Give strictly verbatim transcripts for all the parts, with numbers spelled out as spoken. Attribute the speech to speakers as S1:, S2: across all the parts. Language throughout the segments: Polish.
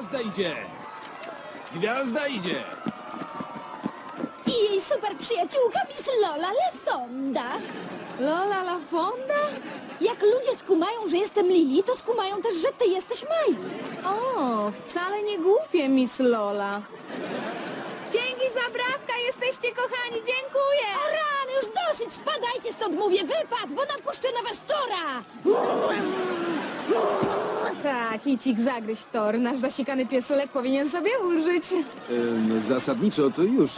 S1: Gwiazda idzie! Gwiazda idzie!
S2: I jej super przyjaciółka Miss Lola Lefonda.
S3: Lola Lafonda?
S2: Jak ludzie skumają, że jestem Lili, to skumają też, że ty jesteś Miley.
S3: O, wcale nie głupie, Miss Lola. Dzięki za brawka, jesteście kochani, dziękuję!
S2: O rany, już dosyć, spadajcie stąd, mówię, wypad, bo napuszczę na was tora!
S3: Tak, Icik, zagryź tor. Nasz zasikany piesulek powinien sobie ulżyć.
S1: Ym, zasadniczo to już...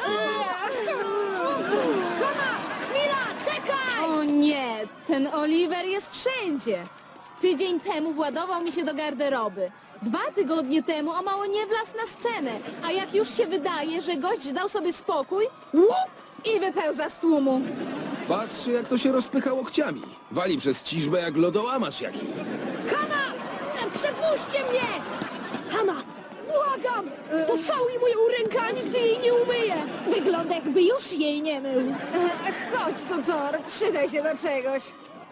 S2: Kama, chwila, czekaj!
S3: O nie, ten Oliver jest wszędzie. Tydzień temu władował mi się do garderoby. Dwa tygodnie temu o mało nie wlazł na scenę. A jak już się wydaje, że gość dał sobie spokój, łup i wypełza z tłumu.
S1: Patrzcie, jak to się rozpycha łokciami. Wali przez ciżbę jak lodołamacz jaki.
S2: Kama, przepuśćcie mnie! Hama, błagam, pocałuj moją rękę, a nigdy jej nie umyję. Wygląda, jakby już jej nie mył.
S3: E, chodź tu, Thor, przydaj się do czegoś.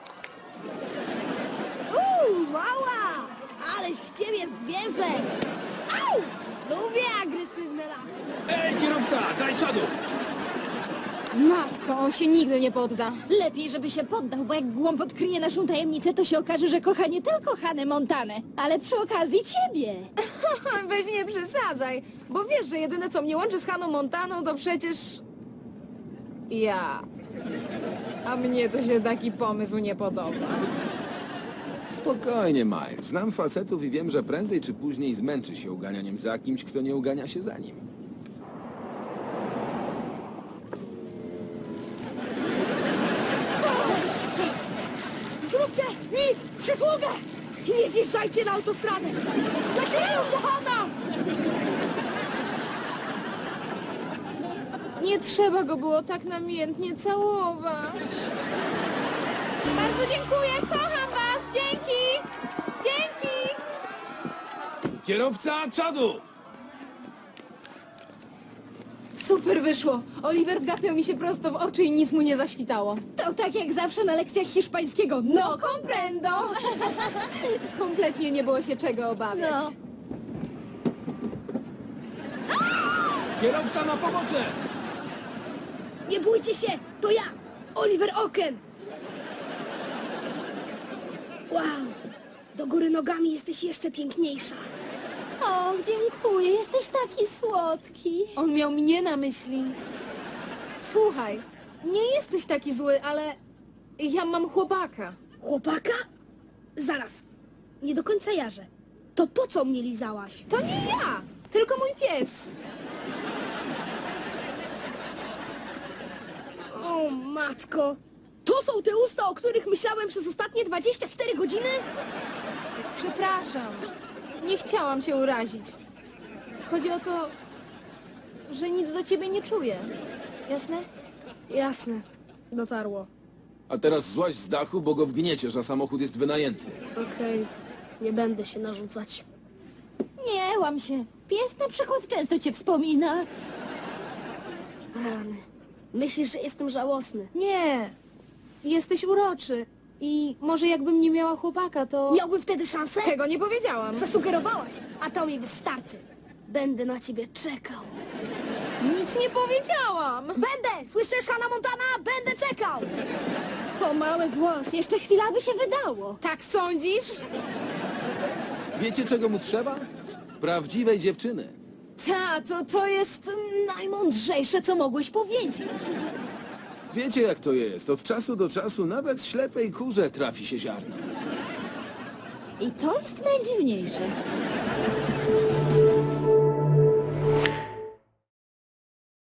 S2: Uuu, mała, ale z ciebie zwierzę. Au, lubię agresywne lasy.
S1: Ej, kierowca, daj czadu!
S3: Matko, on się nigdy nie podda.
S2: Lepiej, żeby się poddał, bo jak głąb odkryje naszą tajemnicę, to się okaże, że kocha nie tylko Hannę Montanę, ale przy okazji ciebie.
S3: Weź nie przesadzaj, bo wiesz, że jedyne co mnie łączy z Hanną Montaną to przecież... ja. A mnie to się taki pomysł nie podoba.
S1: Spokojnie, Miles. Znam facetów i wiem, że prędzej czy później zmęczy się uganianiem za kimś, kto nie ugania się za nim.
S2: Zróbcie mi przysługę! Nie zjeżdżajcie na autostradę! Dla ciebie, kochana!
S3: Nie trzeba go było tak namiętnie całować. Bardzo dziękuję, kocham was, dzięki! Dzięki!
S1: Kierowca, czadu!
S3: Super wyszło. Oliver wgapiał mi się prosto w oczy i nic mu nie zaświtało.
S2: To tak jak zawsze na lekcjach hiszpańskiego. No,
S3: comprendo! Kompletnie nie było się czego obawiać.
S2: No.
S1: Kierowca na pobocze!
S2: Nie bójcie się, to ja, Oliver Oken. Wow, do góry nogami jesteś jeszcze piękniejsza. O, dziękuję, jesteś taki słodki.
S3: On miał mnie na myśli. Słuchaj, nie jesteś taki zły, ale ja mam chłopaka.
S2: Chłopaka? Zaraz, nie do końca jarzę. To po co mnie lizałaś?
S3: To nie ja, tylko mój pies.
S2: O, matko. To są te usta, o których myślałem przez ostatnie dwadzieścia cztery godziny?
S3: Przepraszam, nie chciałam cię urazić. Chodzi o to, że nic do ciebie nie czuję. Jasne?
S2: Jasne, dotarło.
S1: A teraz złaź z dachu, bo go wgniecie, że samochód jest wynajęty.
S2: Okej, nie będę się narzucać. Nie łam się. Pies na przykład często cię wspomina. Rany. Myślisz, że jestem żałosny?
S3: Nie, jesteś uroczy. I może jakbym nie miała chłopaka, to...
S2: Miałbym wtedy szansę?
S3: Tego nie powiedziałam.
S2: Zasugerowałaś, a to mi wystarczy. Będę na ciebie czekał.
S3: Nic nie powiedziałam.
S2: Będę! Słyszysz, Hannah Montana? Będę czekał! Po mały włos, jeszcze chwila by się wydało.
S3: Tak sądzisz?
S1: Wiecie, czego mu trzeba? Prawdziwej dziewczyny.
S2: Ta, to, to jest najmądrzejsze, co mogłeś powiedzieć.
S1: Wiecie, jak to jest. Od czasu do czasu nawet ślepej kurze trafi się ziarno.
S2: I to jest najdziwniejsze.